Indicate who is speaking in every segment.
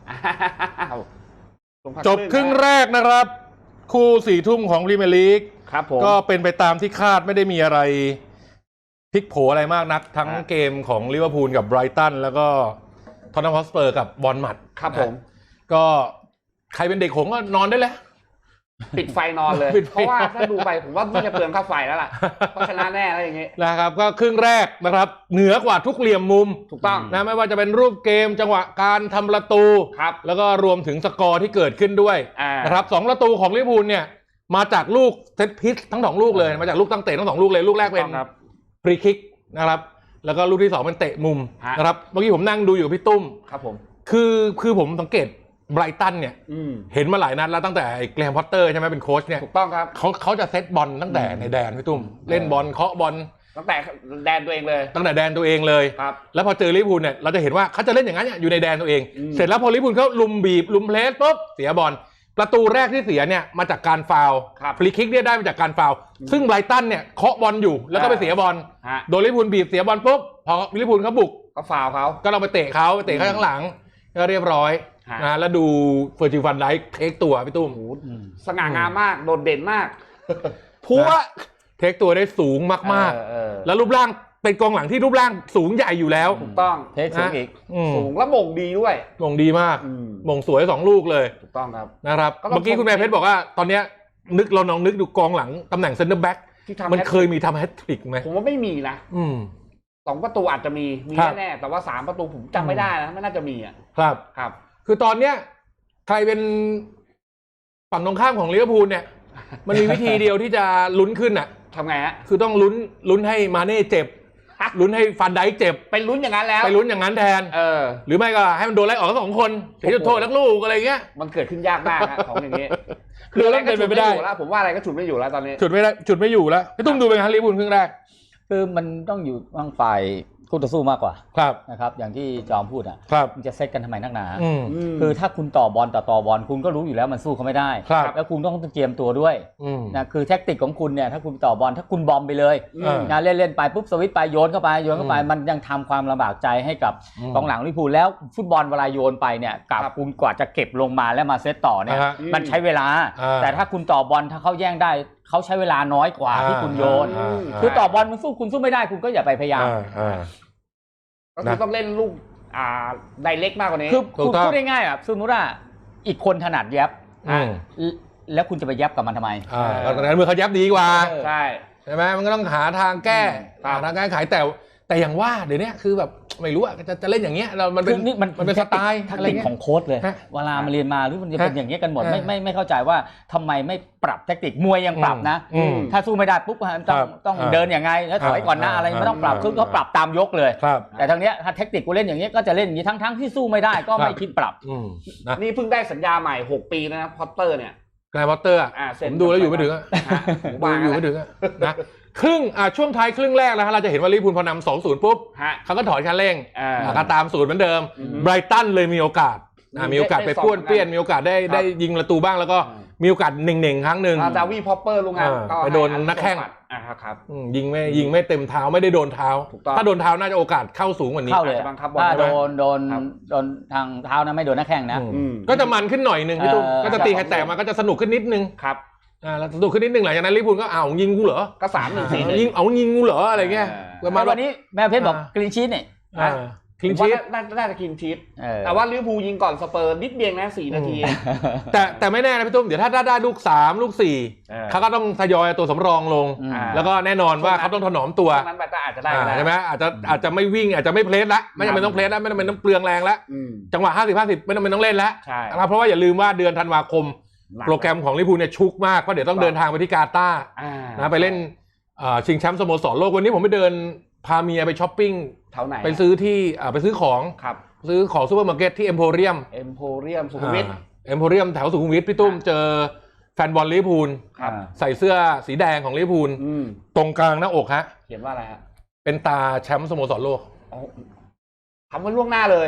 Speaker 1: จบครึ่งแรกนะครับคู่4 ทุ่มของพรีเมียร์ลีก
Speaker 2: ครับผม
Speaker 1: ก็เป็นไปตามที่คาดไม่ได้มีอะไรพลิกโผอะไรมากนักทั้งเกมของลิเวอร์พูลกับไบรตันแล้วก็ท็อตแนมฮอตสเปอร์กับบอร์นมัธ
Speaker 2: ครับผม
Speaker 1: ก็ใครเป็นเด็กหงส์ก็นอนได้แล้ว
Speaker 2: ปิดไฟนอนเลยเพราะว่าถ้าดูไปผมว่าไม่จะเปลืองค่าไฟแล้วล่ะเพราะชนะแน่แล้วอย่างงี้
Speaker 1: นะครับก็ครึ่งแรกนะครับเหนือกว่าทุกเหลี่ยมมุม
Speaker 2: ถูกต้อง
Speaker 1: นะไม่ว่าจะเป็นรูปเกมจังหวะการทำประตู
Speaker 2: ครับ
Speaker 1: แล้วก็รวมถึงสกอร์ที่เกิดขึ้นด้วยนะครับ2 ประตูของลิเวอร์พูลเนี่ยมาจากลูกเซตพิชทั้ง2 ลูกเลยมาจากลูกตั้งเตะทั้ง2 ลูกเลยลูกแรกเป็นฟรีคิกนะครับแล้วก็ลูกที่2เป็นเตะมุมนะครับเมื่อกี้ผมนั่งดูอยู่พี่ตุ้ม
Speaker 2: ครับผม
Speaker 1: คือผมสังเกตไบรตันเนี่ยเห็นมาหลายนัดแล้วตั้งแต่แกรมพอตเตอร์ใช่ไหมเป็นโค้ชเนี่ย
Speaker 2: ถูกต้องครับ
Speaker 1: เขาจะเซตบอลตั้งแต่ในแดนพี่ตุ้มเล่นบอลเคาะบอล
Speaker 2: ตั้งแต่แดนตัวเองเลย
Speaker 1: ตั้งแต่แดนตัวเองเลย
Speaker 2: ครับ
Speaker 1: แล้วพอเจอลิเวอร์พูลเนี่ยเราจะเห็นว่าเขาจะเล่นอย่างนั้นอยู่ในแดนตัวเองเสร็จแล้วพอลิเวอร์พูลเขาลุมบีบลุมเพลสปุ๊บเสียบอลประตูแรกที่เสียเนี่ยมาจากการฟาวล์ฟรีคิกเนี่ยได้มาจากการฟาวล์ซึ่งไบรตันเนี่ยเคาะบอลอยู่แล้วก็ไปเสียบอลโดนลิเวอร์พูลบีบเสียบอลปุ๊บพอลิเวอร์พูลเขาบุก
Speaker 2: ก็ฟาวล์เขา
Speaker 1: ก็เราไปเตะเขาข้างหลังก็เรียบร้อยนะแล้วดูเฟอร์จิลฟันไดค์เทคตัวพี่ตุ้ม
Speaker 2: สง่างามมากโดดเด่นมากพัว
Speaker 1: เทคตัวได้สูงมากๆแล้วรูปร่างเป็นกองหลังที่รูปร่างสูงใหญ่อยู่แล้ว
Speaker 2: ถูกต้อง
Speaker 3: เทคสูงอีก
Speaker 2: สูงและม่งดีด้วย
Speaker 1: ม่งดีมากม่งสวย2 ลูกเลย
Speaker 2: ถูกต้องครับ
Speaker 1: นะครับเมื่อกี้คุณแม่เพชรบอกว่าตอนนี้เราลองนึกดูกองหลังตำแหน่งเซนเตอร์แบ็กมันเคยมีทำแฮตทริกไหม
Speaker 2: ผมว่าไม่มีนะ2 ประตูอาจจะมีแน่ๆแต่ว่า3 ประตูผมจำไม่ได้นะไม่น่าจะมีอ่ะ
Speaker 1: ครับคือตอนเนี้ยใครเป็นฝั่งตรงข้ามของลิเวอร์พูลเนี่ยมันมีวิธีเดียวที่จะลุ้นขึ้นอ่ะ
Speaker 2: ทำไงฮะ
Speaker 1: คือต้องลุ้นให้มาเน่เจ็บลุ้นให้ฟันไดค์เจ็บ
Speaker 2: ไปลุ้นอย่างนั้นแล้ว
Speaker 1: ไปลุ้นอย่างนั้นแทนหรือไม่ก็ให้มันโดนไล่ออกทั้ง2 คนเสียจุดโทษทั้งลูกอะไรเงี้ย
Speaker 2: มันเกิดขึ้นยากมากของอย่างนี้
Speaker 1: คืออะไรก็เป็นไปไม่ได้
Speaker 2: แล้วผมว่าอะไรก็ฉุดไม่อยู่แล้วตอนนี้
Speaker 1: ฉุดไม่อยู่แล้วพี่ตุ้มดูเป็นไงลิเวอร์พูลครึ่งแรก
Speaker 3: คือมันต้องอยู่ทางฝ่ายคู่ต่อสู้มากกว่านะครับอย่างที่จอมพูดอ่ะมันจะเซตกันทำไมนักหนาคือถ้าคุณต่อบอลต่อบอลคุณก็รู้อยู่แล้วมันสู้เขาไม่ได้แล้วคุณต้องเตรียมตัวด้วยนะคือแท็กติกของคุณเนี่ยถ้าคุณต่อบอลถ้าคุณบอมไปเลยนะเล่นไปปุ๊บสวิตช์ไปโยนเข้าไปมันยังทำความลำบากใจให้กับกองหลังลิเวอร์พูลแล้วฟุตบอลเวลาโยนไปเนี่ยกับคุณกว่าจะเก็บลงมาแล้วมาเซตต่อเนี่ยมันใช้เวลาแต่ถ้าคุณต่อบอลถ้าเขาแย่งได้เขาใช้เวลาน้อยกว่าที่คุณโยนคือต่อบอลคุณสู้ไม่ได้คุณก็อย่าไปพยายาม
Speaker 2: ก็คือต้องเล่นลูกไดเรกมากกว่านี้
Speaker 3: คือพูดง่ายๆอ่ะสมมติว่าอีกคนถนัดยับแล้วคุณจะไปยับกับมันทำไม
Speaker 1: ตอนนั้นเมื่อเขายับดีกว่า
Speaker 2: ใช่
Speaker 1: ไหมมันก็ต้องหาทางแก้ทางแก้ไขแต่อย่างว่าเดี๋ยวนี้คือแบบไม่รู้อ่ะจะเล่นอย่างเงี้ยมันเป็นสไตล์
Speaker 3: อะไรของโค้ชเลยเวลามาเรียนมาหรือมันจะเป็นอย่างเงี้ยกันหมดไม่เข้าใจว่าทำไมไม่ปรับแทคติกมวยยังปรับนะถ้าสู้ไม่ได้ปุ๊บต้องเดินยังไงแล้วถอยก่อนหน้าอะไรไม่ต้องปรับคือเขาปรับตามยกเลยแต่ทางเนี้ยถ้าแทคติกกูเล่นอย่างเงี้ยก็จะเล่นอย่างนี้ทั้งที่สู้ไม่ได้ก็ไม่คิดปรับ
Speaker 2: นี่เพิ่งได้สัญญาใหม่6 ปีนะพอตเตอร์เนี่ย
Speaker 1: แกรมพอตเตอร์ผมดูแล้วอยู่ไม่ถึงอยู่ไม่ถึงนะครึ่งช่วงท้ายครึ่งแรกแล้วเราจะเห็นว่าลิเวอร์พูลพอนำ 2-0 ปุ๊บเขาก็ถอยคันเร่งก็ตามสูตรเหมือนเดิมไบรตันเลยมีโอกาสไปป้วนเปี้ยนมีโอกาสได้ยิงประตูบ้างแล้วก็มีโอกาสเน่งๆครั้งหนึ่ง
Speaker 2: จาวีพอปเปอร์ลงงาน
Speaker 1: ไปโดนนักแข้ง
Speaker 2: ครับ
Speaker 1: ยิงไม่เต็มเท้าไม่ได้โดนเท้าถ้าโดนเท้าน่าจะโอกาสเข้าสูงกว่านี้
Speaker 3: เข้าเลยถ้าโดนทางเท้านะไม่โดนนักแข้งนะ
Speaker 1: ก็จะมันขึ้นหน่อยนึงพี่ตุ้มก็จะตีใครแตกมาก็จะสนุกขึ้นนิดนึง
Speaker 2: ครับ
Speaker 1: แล้วสนุกขึ้นนิดนึงหลังจากนั้นลิเวอร์พูลก็ยิงกูเหรอ
Speaker 2: ก็3-1-4
Speaker 1: ยิงกูเหรออะไรเงี้ย
Speaker 3: วันนี้แม่เพชรบอกกรีนชีทเนี่ย
Speaker 1: คลีนชีท
Speaker 2: น่าจะคลีนชีทแต่ว่าลิเวอร์พูลยิงก่อนสเปอร์นิดเดียวนะ4 นาที
Speaker 1: แต่ไม่แน่นะพี่ตุ้มเดี๋ยวถ้าได้ลูก3ลูก4เขาก็ต้องทยอยตัวสำรองลงแล้วก็แน่นอนว่าเขาต้องถนอมตัว
Speaker 2: นั้นแบบอาจจะได้
Speaker 1: ใช่ไหมอาจจะไม่วิ่งอาจจะไม่เพลสละไม่จำเป็นต้องเพลสละไม่จำเป็นต้องเปลืองแรงละจังหวะ50-50ไม่จำเป็นต้องเล่นละเพราะว่าอย่าลืมว่าเดือนธันวาคมโปรแกรมของลิเวอร์พูลเนี่ยชุกมากเพราะเดี๋ยวต้องเดินทางไปที่กาตาร์นะไปเล่นชิงแชมป์สโมสรโลกวันนี้ผมไปเดินพาเมียไปช้อปปิ้งไปซื้อที่ไปซื้อของซูเปอร์มาร์เก็ตที่เอ็มโพเรียม
Speaker 2: สุขุมวิท
Speaker 1: แถวสุขุมวิทพี่ตุ้มเจอแฟนบอลลิเวอร์พูลใส่เสื้อสีแดงของลิเวอร์พูลตรงกลางหน้าอกฮะ
Speaker 2: เขียนว่าอะไรฮะ
Speaker 1: เป็นตาแชมป์สโมสรโลก
Speaker 2: ทำไว้ล่วงหน้าเลย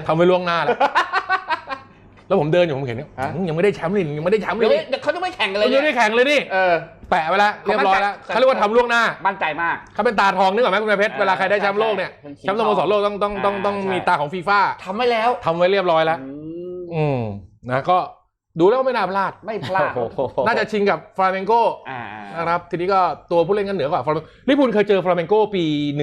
Speaker 1: แล้วผมเดินอยู่ผมเห็นยังไม่ได้แชมป์เลยยังไม่ได้แชมป์เลย
Speaker 2: เขาจะไม่แข่งกันเลย
Speaker 1: ยังไม่ได้แข่งเลยนี่แปะไปแล้วเรียบร้อยแล้วเขาเรียกว่าทำล่วงหน้า
Speaker 2: มั่นใจมาก
Speaker 1: เขาเป็นตาทองนึกออกไหมคุณเพชรเวลาใครได้แชมป์โลกเนี่ยแชมป์สโมสรโลกต้องมีตาของฟีฟ่า
Speaker 2: ทำไว้แล้ว
Speaker 1: ทำไว้เรียบร้อยแล้วนะก็ดูแล้วก็ไม่น่าพลาด
Speaker 2: ไม่พลาด
Speaker 1: น่าจะชิงกับฟลาเมงโกนะครับทีนี้ก็ตัวผู้เล่นกันเหนือกว่าฟลาเมงโกลิเวอร์พูลเคยเจอฟลาเมงโกปี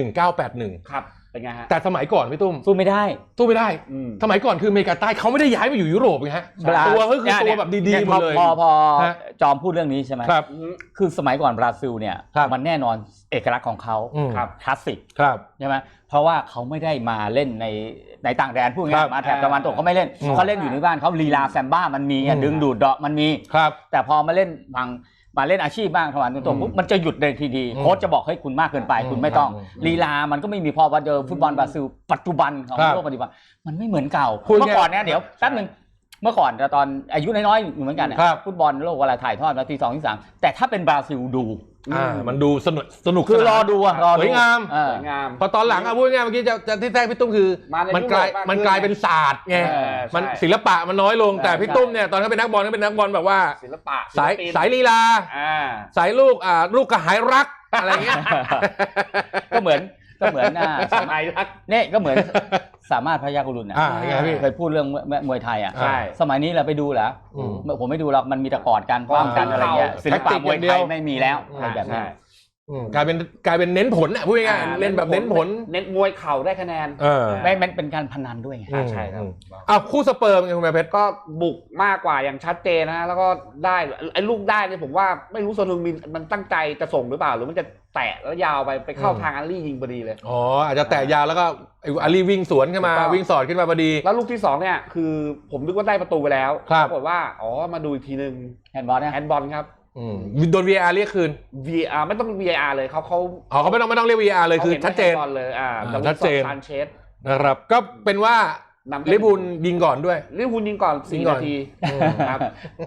Speaker 1: 1981
Speaker 2: ครับเป็นไงฮะ
Speaker 1: แต่สมัยก่อนพี่ตุ้ม
Speaker 3: สู้ไม่ได้
Speaker 1: สมัยก่อนคืออเมริกาใต้เขาไม่ได้ย้ายมาอยู่ยุโรปไงฮะตัวก็คือตัวแบบดีๆหมดเลย
Speaker 3: พอจอมพูดเรื่องนี้ใช่ไหม
Speaker 1: ครับ
Speaker 3: คือสมัยก่อนบราซิลเนี่ยมันแน่นอนเอกลักษณ์ของเขาคลาสสิกใช่ไหมเพราะว่าเขาไม่ได้มาเล่นในต่างแดนพูดง่ายมาแถบตะวันตกเขาไม่เล่นเขาเล่นอยู่ในบ้านเขาลีลาแซมบ้ามันมีดึงดูดเดาะมันมีแต่พอมาเล่นมาเล่นอาชีพบ้างตะวันตกปุ๊บมันจะหยุดเลยทีดีโค้ชจะบอกให้คุณมากเกินไปคุณไม่ต้องลีลามันก็ไม่มีพอว่าเจอฟุตบอลบราซิลปัจจุบันของโลกปัจจุบันมันไม่เหมือนเก่าเมื่อก่อนเนี่ยเดี๋ยวแป๊บนึงเมื่อก่อนตอนอายุน้อยๆอยู่เหมือนกันฟุตบอลโลกเวลาถ่ายทอดนาที2 ที่ 3แต่ถ้าเป็นบราซิลดู
Speaker 1: มันดูสนุก
Speaker 3: คือรอดู
Speaker 1: สวยงามพอตอนหลังพูดง่ายเมื่อกี้จะที่แท้พี่ตุ้มคือมันกลายเป็นศาสตร์ไงมันศิลปะมันน้อยลงแต่พี่ตุ้มเนี่ยตอนเขาเป็นนักบอลก็เป็นนักบอลแบบว่า
Speaker 2: ศิลปะ
Speaker 1: สายลีลาสายลูกกระหายรักอะไรเงี้ย
Speaker 3: ก็เหมือนสมัยรักเนี่ยก็เหมือนสามารถพยากรุณเคยพูดเรื่องมวยไทยสมัยนี้เราไปดูแล้วผมไม่ดูหรอกมันมีแต่กอดกันป้องกันอะไรเงี้ยศิลปะมวยไทยไม่มีแล้วแบบนี้
Speaker 1: กลายเป็นเน้นผลอ่ะพูดง่ายๆเล่นแบบเน้นผล
Speaker 2: เน้นมวยเข่าได้คะแนน
Speaker 3: ไม่เป็นการพนันด้วยไง
Speaker 2: ใช่ครับ
Speaker 1: คู่สเปิร์มไงคุณแม่เพชร
Speaker 2: ก็บุกมากกว่าอย่างชัดเจนนะแล้วก็ได้ไอ้ลูกได้เนี่ยผมว่าไม่รู้โซนฮึงมินมันตั้งใจจะส่งหรือเปล่าหรือมันจะแตะแล้วยาวไปเข้าทางอารี่ยิงพอดีเลย
Speaker 1: อ๋ออาจจะแตะยาวแล้วก็อารี่วิ่งสวนขึ้นมาวิ่งสอดขึ้นมาพอดี
Speaker 2: แล้วลูกที่2เนี่ยคือผมนึกว่าได้ประตูไปแล้วปรากฏว่ามาดูอีกทีนึง
Speaker 3: แฮนด์บอล
Speaker 2: ครับ
Speaker 1: โดน VAR เรียกคืน
Speaker 2: VAR ไม่ต้อง VAR เลยเขา
Speaker 1: ไม่ต้องเรียก VAR เลยคือชัดเจน
Speaker 2: เลย
Speaker 1: ชัดเจนนะครับก็เป็นว่าลิเวอร์พูลยิงก่อนด้วย
Speaker 2: ลิเวอร์พูลยิงก่อน4 นาทีครับ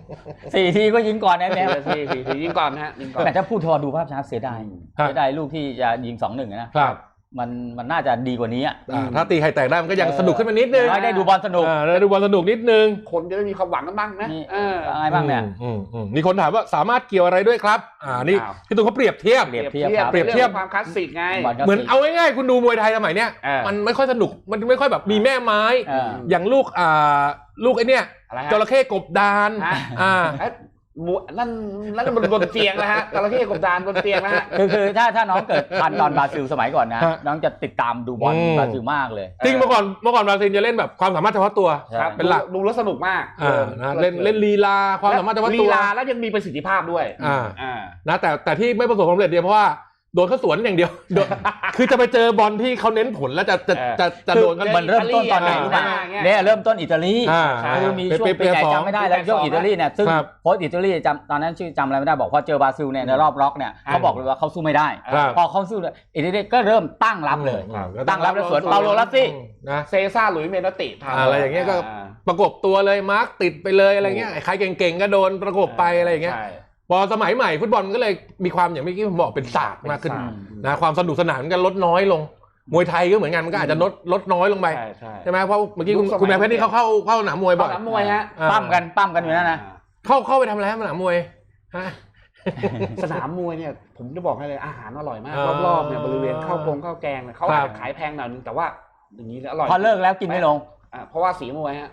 Speaker 3: 4 ทีก็ยิงก่อนแน่
Speaker 2: ๆ4 ทียิงก่อนฮะยิงก่อน
Speaker 3: แต่ถ้าพูดทอดูภาพช้าเสียดายลูกที่จะยิง 2-1 นะครับมันน่าจะดีกว่านี้
Speaker 1: ถ้าตีไข่แตกได้มันก็ยังสนุกขึ้นมานิดนึง
Speaker 3: ได้ดูบอลสนุก
Speaker 1: ได้ดูบอลสนุกนิดนึง
Speaker 2: คนจะได้มีความหวังกันบ้างนะ
Speaker 3: อะไรบ้างเนี่ย
Speaker 1: มีคนถามว่าสามารถเกี่ยวอะไรด้วยครับนี่พี่ตุ้มเขาเปรียบเทียบ
Speaker 2: ความคลาสสิกไง
Speaker 1: เหมือนเอาง่ายๆคุณดูมวยไทยสมัยเนี้ยมันไม่ค่อยสนุกมันไม่ค่อยแบบมีแม่ไม้อย่างลูกไอ้เนี่ยจระเข้กบดาน
Speaker 2: นั่นบนเตียงนะฮะจระเข้กบดานบนเตียงนะฮะ
Speaker 3: คือถ้าน้องเกิดทันตอนบราซิลสมัยก่อนนะน้องจะติดตามดูบอลบราซิลมากเลย
Speaker 1: จริงเมื่อก่อนบราซิลจะเล่นแบบความสามารถเฉพาะตัวเป็นหลัก
Speaker 2: ดูแล้วสนุกมาก
Speaker 1: เล่นลีลาความสามารถเฉพาะตัว
Speaker 2: ลีลาแล้วยังมีประสิทธิภาพด้วย
Speaker 1: นะแต่ที่ไม่ประสบความสำเร็จเพราะว่าโดนเขาสวนอย่างเดียวคือจะไปเจอบอลที่เขาเน้นผลแล้วจะโดนกัน
Speaker 3: มันเริ่มต้นตอนไหนรู้ป่ะเนี่ยเริ่มต้นอิตาลีคือมีช่วงปีไหนจำไม่ได้แล้วช่วงอิตาลีเนี่ยซึ่งโค้ชอิตาลีตอนนั้นชื่อจำอะไรไม่ได้บอกพอเจอบราซิลเนี่ยในรอบล็อกเนี่ยเขาบอกเลยว่าเขาสู้ไม่ได้พอเขาสู้อิตาลีก็เริ่มตั้งรับเลยตั้งรับแล้วสวนเปาโลลัสซี่
Speaker 2: เซซ่าหลุยเมนติ
Speaker 1: อะไรอย่างเงี้ยก็ประกบตัวเลยมาร์กติดไปเลยอะไรเงี้ยใครเก่งๆก็โดนประกบไปอะไรอย่างเงี้ยพอสมัยใหม่ฟุตบอลก็เลยมีความอย่างเมื่อกี้ผมบอกเป็นศาสตร์มากขึ้นนะความสนุกสนานกันลดน้อยลงมวยไทยก็เหมือนกันมันก็อาจจะลดน้อยลงไปใช่ไหมเพราะเมื่อกี้คุณแม่เพชรนี่เข้าสนามมวยบ่อย
Speaker 2: สนามมวยฮะ
Speaker 3: ปั้มกันอยู่นั่นนะ
Speaker 1: เข้าไปทำอะไรสนามมวย
Speaker 2: สนามมวยเนี่ยผมจะบอกให้เลยอาหารอร่อยมากรอบๆเนี่ยบริเวณข้าวแกงเนี่ยเขาอาจจะขายแพงหน่อยนึงแต่ว่าอย่างนี้อร่อย
Speaker 3: พอเลิกแล้วกินไม่ลง
Speaker 2: เพราะว่าสีมวยฮะ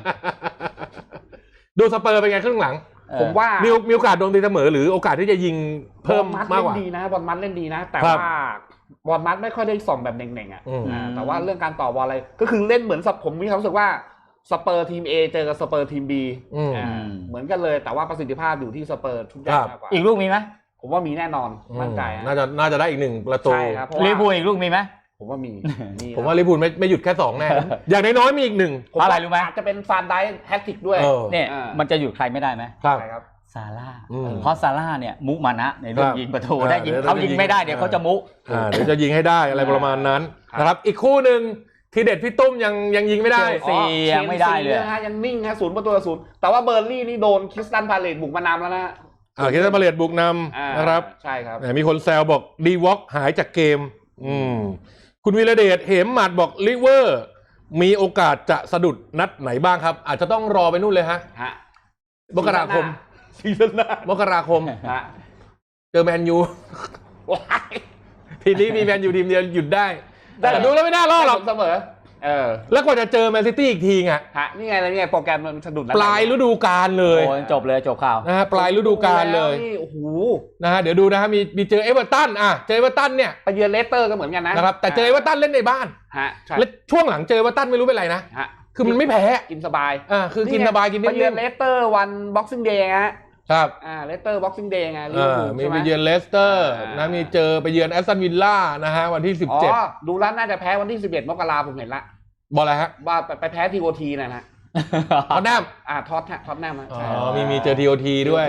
Speaker 1: ดูสเปอร์เป็นไงครึ่งหลัง
Speaker 2: ผมว่า
Speaker 1: มีโอกาสโดนตีเสมอหรือโอกาสที่จะยิงเพิ่มมากกว่า
Speaker 2: บอลมัดเล่นดีนะแต่ว่าบอลมัดไม่ค่อยได้ส่องแบบเน่งๆอ่ะแต่ว่าเรื่องการต่อบอลอะไรก็คือเล่นเหมือนผมมีความรู้สึกว่าสเปอร์ทีม A เจอกับสเปอร์ทีม B เหมือนกันเลยแต่ว่าประสิทธิภาพอยู่ที่สเปอร์ทุกอย่างมากกว่า
Speaker 3: อีกลูกมีไหม
Speaker 2: ผมว่ามีแน่นอนมั่นใจ
Speaker 1: น่าจะได้อีก1ประตู
Speaker 3: ลิเวอร์พูลอีกลูกมีไหม
Speaker 2: ผมว่ามี
Speaker 1: ผมว่าลิเวอร์พูลไม่หยุดแค่2แน่อย่างน้อยๆมีอีก1
Speaker 3: อะไรรู้ไหม
Speaker 2: อาจจะเป็นฟานไดค์แฮตทริกด้วย
Speaker 3: เนี่ยมันจะหยุดใครไม่ได้ไหม
Speaker 2: ครับ
Speaker 3: ซาร่าเพราะซาร่าเนี่ยมุมานะในเรื่องยิงประตูได้ยิงเขายิงไม่ได้เดี๋ยวเขาจะมุ
Speaker 1: เดี๋ยวจะยิงให้ได้อะไรประมาณนั้นนะครับอีกคู่หนึ่งที่เด็ดพี่ตุ้มยังยิงไม่ได้
Speaker 3: ยังไม่ได้เลย
Speaker 2: ยังนิ่งฮะ0-0แต่ว่าเบอร์ลี่นี่โดนคริสตันพาเลตบุกมานำแล้วนะ
Speaker 1: คริสตันพาเลตบุกนำนะครับ
Speaker 2: ใช่ครับ
Speaker 1: มีคนแซวบอกดีวอล์กหายจากเกมคุณวีระเดชเหมหมัดบอกลิเวอร์มีโอกาสจะสะดุดนัดไหนบ้างครับอาจจะต้องรอไปนู่นเลยฮะมกราคม
Speaker 2: ซีซั่นหน้าม
Speaker 1: กราคมเจอแมนยูทีนี้มีแมนยูทีมเดียวหยุดได้แต่ดูแล้วไม่น่ารอดหรอก
Speaker 2: เสมอ
Speaker 1: แล้วกว่าจะเจอแมนซิตี้อีกทีไง
Speaker 2: นี่ไงโปรแกรมมันสะดุด
Speaker 1: ปลายฤดูกาลเลย
Speaker 3: โอ้จบเลยจบข่าว
Speaker 1: นะฮะปลายฤดูกาลเลย
Speaker 2: โอ้โห
Speaker 1: นะฮะเดี๋ยวดูนะฮะมีเจอเอเวอร์ตันเจอเอเวอร์ตันเนี่ย
Speaker 2: ไปเยือนเลสเตอร์ก็เหมือนกัน
Speaker 1: นะครับแต่เจอเอเวอร์ตันเล่นในบ้านและช่วงหลังเจอเอเวอร์ตันไม่รู้เป็นไรนะคือมันไม่แพ้
Speaker 2: กินสบาย
Speaker 1: คือกินสบายกินนิ่มๆ
Speaker 2: ไปเยือนเลสเตอร์วันบ็อกซิ่งเดย์ฮะ
Speaker 1: ครับ
Speaker 2: เลสเตอร์บ็อกซิ่งเดย์ไง
Speaker 1: มีไปเยือนเลสเตอร์นะมีเจอไปเยือนแอสตันวิลล่านะฮะวันที่17
Speaker 2: ดูแล้วน่าจะแพ้วันที่11มกราคมผมเห็นละ
Speaker 1: บอกอะไรฮะ
Speaker 2: ว่าไปแพ้ทีโอทีนะฮะ
Speaker 1: ท็อตแนม
Speaker 2: ท็อตแนม
Speaker 1: มีเจอทีโอทีด้วย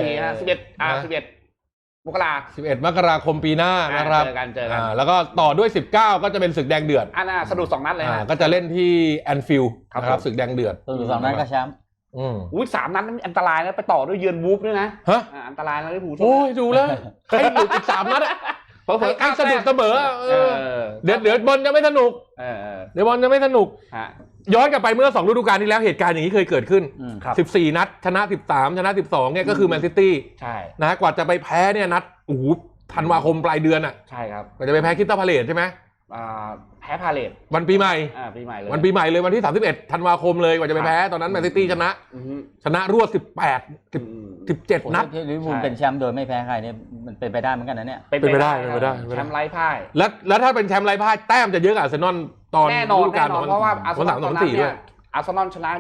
Speaker 2: 11มกราคม
Speaker 1: 11 มกราคมปีหน้านะครับ
Speaker 2: เจอกัน
Speaker 1: แล้วก็ต่อด้วย19ก็จะเป็นศึกแดงเดือด
Speaker 2: สะดุด2นัดเลย
Speaker 1: ก็จะเล่นที่แอนฟิลด์นะครับศึกแดงเดือด
Speaker 3: สะดุด2นัดก็แชมป์
Speaker 2: 3นัดนั้นอันตรายนะไปต่อด้วยเยือนวูฟด้วยนะอันตรายนะลิเวอร์พูล
Speaker 1: โอ้ยดูแล้วใครหลุดอีก3นัดเผลอๆใครสะดุดเสมอเดี๋ยวบอลจะไม่สนุกเดี๋ยวบอลจะไม่สนุกย้อนกลับไปเมื่อ2ฤดูกาลที่แล้วเหตุการณ์อย่างนี้เคยเกิดขึ้น14นัดชนะ13ชนะ12เนี่ยก็คือแมนซิตี้นะกว่าจะไปแพ้เนี่ยนัดธันวาคมปลายเดือน
Speaker 2: ใช่ครับ
Speaker 1: กว่าจะไปแพ้คริสตัลพาเลซใช่ไหม
Speaker 2: แพ้พาเลซ
Speaker 1: วันปีใหม่
Speaker 2: เลย
Speaker 1: วันปีใหม่เลยวันที่31ธันวาคมเลยกว่าจะไปแพ้ตอนนั้นแมนซิตี้ชนะรวด17นัด
Speaker 3: ลิเวอร์พูลเป็นแชมป์โดยไม่แพ้ใครเนี่ยมันเป็นไปได้เหมือนกันนะเนี่ย
Speaker 1: เป็นไปได้
Speaker 2: แชมป์ไร้พ่าย
Speaker 1: แล้วถ้าเป็นแชมป์ไร้พ่ายแต้มจะเยอะกว่าอาร์เซนอลตอนฤดูกาล
Speaker 2: เพราะว่าอาร์เซนอลตอนนั้นเนี่ยอาร์เซนอลชนะ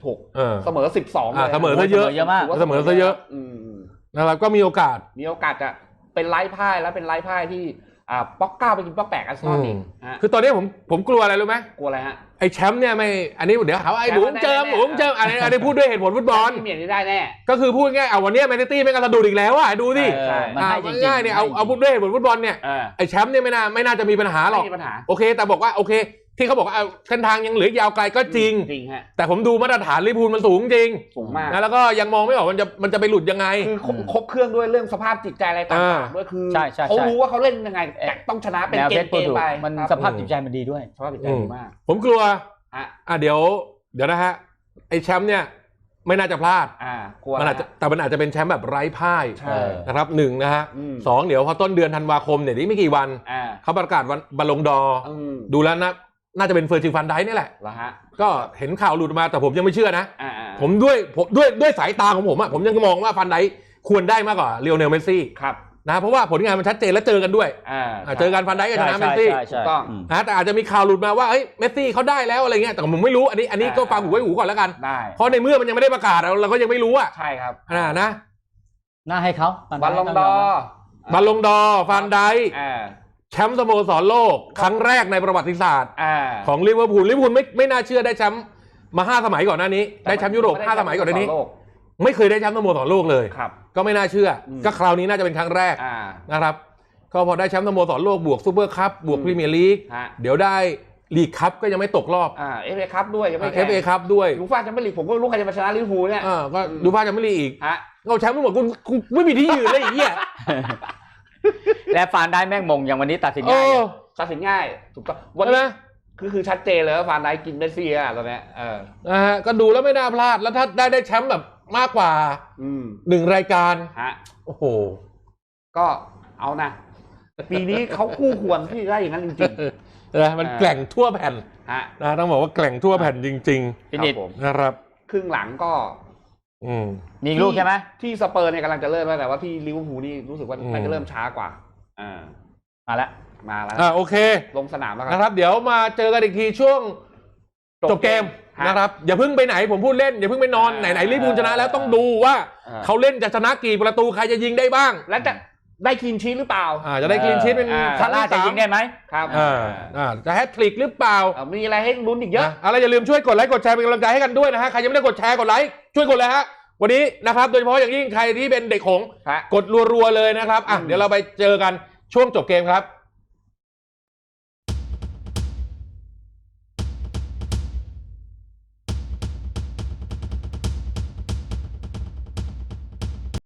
Speaker 2: 26เสมอ12เลย
Speaker 1: เสมอซะเยอะ
Speaker 3: มาก
Speaker 1: เสมอซะเยอะนะครับก็มีโอกาส
Speaker 2: จะเป็นไร้พ่ายแล้วเป็นไร้พ่ายที่ป๊อก9ไปกินป๊อก8อาร์เซนอลอีก
Speaker 1: คือตอนนี้ผมกลัวอะไรรู้ไหม
Speaker 2: กลัวอะไรฮะ
Speaker 1: ไอ้แชมป์เนี่ยไม่อันนี้เดี๋ยวหาว่าไอ้บุ๋มเจิมอันนี้พูดด้วยเหตุผลฟุตบอล
Speaker 2: เมียนี่ได้แน่
Speaker 1: ก็คือพูดง่ายวันนี้แมนซิตี้ไม่กระดุดอีกแล้วดูสิง่ายเนี่ยเอาพูดด้วยเหตุผลฟุตบอลเนี่ยไอ้แชมป์เนี่ยไม่น่าจะมีปัญหาหรอกโอเคแต่บอกว่าโอเคที่เขาบอกว่าเส้นทางยังเหลือยาวไกลก็จริงแต่ผมดูมาตรฐานลิเวอร์พูลมันสูงจริง
Speaker 2: มาก
Speaker 1: แล้วก็ยังมองไม่ออกมันจะไปหลุดยังไง
Speaker 2: คือครบเครื่องด้วยเรื่องสภาพจิตใจอะไรต่างๆด้วยคือเขารู้ว่าเขาเล่นยังไงต้องชนะเป็นเกมไป
Speaker 3: มันสภาพจิตใจมันดีด้วย
Speaker 2: สภาพจิตใจดีมาก
Speaker 1: ผมกลัวเดี๋ยวนะฮะไอ้แชมป์เนี่ยไม่น่าจะพลาดมันอาจจะแต่มันอาจจะเป็นแชมป์แบบไร้พ่ายนะครับ1นะฮะ2เดี๋ยวพอต้นเดือนธันวาคมเนี่ยนี่ไม่กี่วันเขาประกาศวันบอลลงดอดูแล้วน่าจะเป็นเฟอร์จิลฟันไดนี่แหละก็เห็นข่าวหลุดมาแต่ผมยังไม่เชื่อนะผมด้วยสายตาของผมผมยังมองว่าฟันไดควรได้มากกว่าลีโอเนลเมสซี่นะเพราะว่าผลงานมันชัดเจนและเจอกันด้วยเจอกันฟันไดกับชนะเมสซี่
Speaker 2: ถูกต้อง
Speaker 1: นะแต่อาจจะมีข่าวหลุดมาว่าเมสซี่เขาได้แล้วอะไรเงี้ยแต่ผมไม่รู้อันนี้ก็ฟังหูไว้หูก่อนแล้วกันเพราะในเมื่อมันยังไม่ได้ประกาศเราก็ยังไม่รู้
Speaker 2: ใช่ครับ
Speaker 1: นะ
Speaker 3: น่าให้เขา
Speaker 2: บอลลงดอ
Speaker 1: ฟันไดแชมป์สโมสรโลกครั้งแรกในประวัติศาสตร์ของลิเวอร์พูลไม่น่าเชื่อได้แชมป์มา5สมัยก่อนหน้านี้ได้แชมป์ยุโรป5สมัยก่อนหน้านี้ไม่เคยได้แชมป์สโมสรโลกเลยก็ไม่น่าเชื่อก็คราวนี้น่าจะเป็นครั้งแรกนะครับก็พอได้แชมป์สโมสรโลกบวกซูเปอร์คัพบวกพรีเมียร์ลีกเดี๋ยวได้ลีกคัพก็ยังไม่ตกรอบ
Speaker 2: FA คัพด้วยยังไม่
Speaker 1: FA คัพด้วย
Speaker 2: ยูฟ่าแชมเปี้ยนลีกผมก็รู้ใครจะมาชนะลิเวอร์พูลเนี่ย
Speaker 1: ก็ยูฟ่าแชมเปี้ยนลีกอีกเอาแชมป์ทั้งหมดกูไม่มีที่ยืนเลยไอ้เหี้ย
Speaker 3: และฟานได้แม่งมงอย่างวันนี้ตัดสินง่
Speaker 2: ายถูกต้องวันนี้คือชัดเจนเลยว่าฟานได้กินเมสซี่ตอนนี้
Speaker 1: ก็ดูแล้วไม่น่าพลาดแล้วถ้าได้แชมป์แบบมากกว่า1รายการโอ้โห
Speaker 2: ก็เอานะปีนี้เขาคู่ควรที่ได้อย่างนั้นจริง
Speaker 1: ๆมันแกล่งทั่วแผ่นนะต้องบอกว่าแกล่งทั่วแผ่นจริงๆนะครับ
Speaker 2: ครึ่งหลังก็
Speaker 3: มีลูกใช่ไหม
Speaker 2: ที่สเปอร์เนี่ยกำลังจะเริ่มแต่ว่าที่ลิเวอร์พูลนี่รู้สึกว่ามันจะเริ่มช้ากว่า
Speaker 3: มาแล้ว
Speaker 1: โอเค
Speaker 2: ลงสนามแล้ว
Speaker 1: นะครับเดี๋ยวมาเจอกันอีกทีช่วงจบเกมนะครับอย่าเพิ่งไปไหนผมพูดเล่นอย่าเพิ่งไปนอนไหนลิเวอร์พูลชนะแล้วต้องดูว่าเขาเล่นจะชนะกี่ประตูใครจะยิงได้บ้าง
Speaker 2: และจะได้คลีนชีทหรือเปล่า
Speaker 1: จะได้คลีนชีทเป็น
Speaker 3: ซาร่าจะยิงได้ไหม
Speaker 2: ครับ
Speaker 1: จะแฮตทริกหรือเปล่า
Speaker 2: มีอะไรให้ลุ้นอีกเยอะ
Speaker 1: อะไรอย่าลืมช่วยกดไลค์กดแชร์เป็นกำลังใจให้กันด้วยนะฮะใครยังไม่ได้กดแชร์กดไลค์ช่วยกดเลยฮะวันนี้นะครับโดยเฉพาะอย่างยิ่งใครที่เป็นเด็กหงส์กดรัวๆเลยนะครับเดี๋ยวเราไปเจอกันช่วงจบเกมครับ